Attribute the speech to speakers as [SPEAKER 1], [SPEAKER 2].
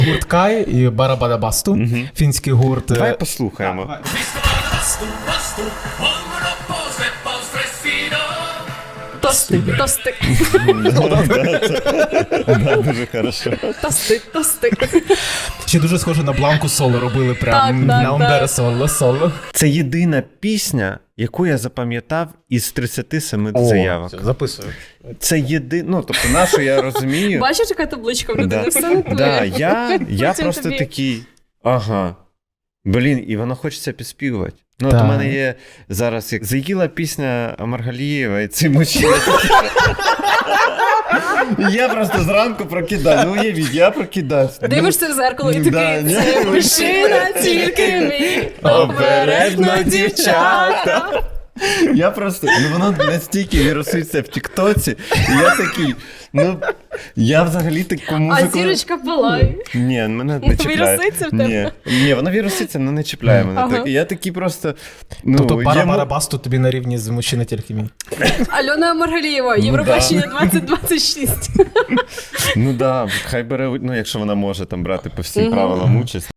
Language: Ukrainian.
[SPEAKER 1] Гурт Кай і Барабадабасту, фінський гурт.
[SPEAKER 2] Давай послухаємо.
[SPEAKER 3] Тости, тости,
[SPEAKER 2] Дуже хорошо.
[SPEAKER 3] тости, тости.
[SPEAKER 1] Ще дуже схоже на Бланку Соло робили
[SPEAKER 3] Так,
[SPEAKER 1] прям
[SPEAKER 3] так,
[SPEAKER 1] на Умбере
[SPEAKER 3] так.
[SPEAKER 1] Соло.
[SPEAKER 2] Це єдина пісня, яку я запам'ятав із 37 заявок.
[SPEAKER 1] Записую.
[SPEAKER 2] Це єдина, тобто нашу я розумію.
[SPEAKER 3] Бачиш, яка табличка в людини? Все не твоє.
[SPEAKER 2] Да, я
[SPEAKER 3] Потім
[SPEAKER 2] просто
[SPEAKER 3] тобі.
[SPEAKER 2] такий, ага, блін, і воно хочеться підспівувати. Ну, от
[SPEAKER 1] Так.
[SPEAKER 2] у мене є зараз, як заїла пісня Маргалієва, і цей мужчина. Я просто зранку прокидаю. Ну, уявіть, я прокидаюсь.
[SPEAKER 3] Дивишся в зеркало і
[SPEAKER 2] Да,
[SPEAKER 3] такий,
[SPEAKER 2] ні.
[SPEAKER 3] це мужчина, тільки мій, обережно дівчата.
[SPEAKER 2] Я просто, воно настільки віруситься в Тіктоці, і я такий, я взагалі таку
[SPEAKER 3] А
[SPEAKER 2] музику...
[SPEAKER 3] зірочка палає.
[SPEAKER 2] Ні, мене не чіпляє.
[SPEAKER 3] Віруситься в тебе?
[SPEAKER 2] Ні, воно віруситься, але не чіпляє мене.
[SPEAKER 3] Ага.
[SPEAKER 2] Так, я такий просто,
[SPEAKER 1] Тобто
[SPEAKER 2] йому-
[SPEAKER 1] Барабадабасту тобі на рівні з мужчина тільки мій.
[SPEAKER 3] Альона Маргалієва, Євробачення 2026.
[SPEAKER 2] Ну да, хай бере, якщо вона може там брати по всім правилам участь.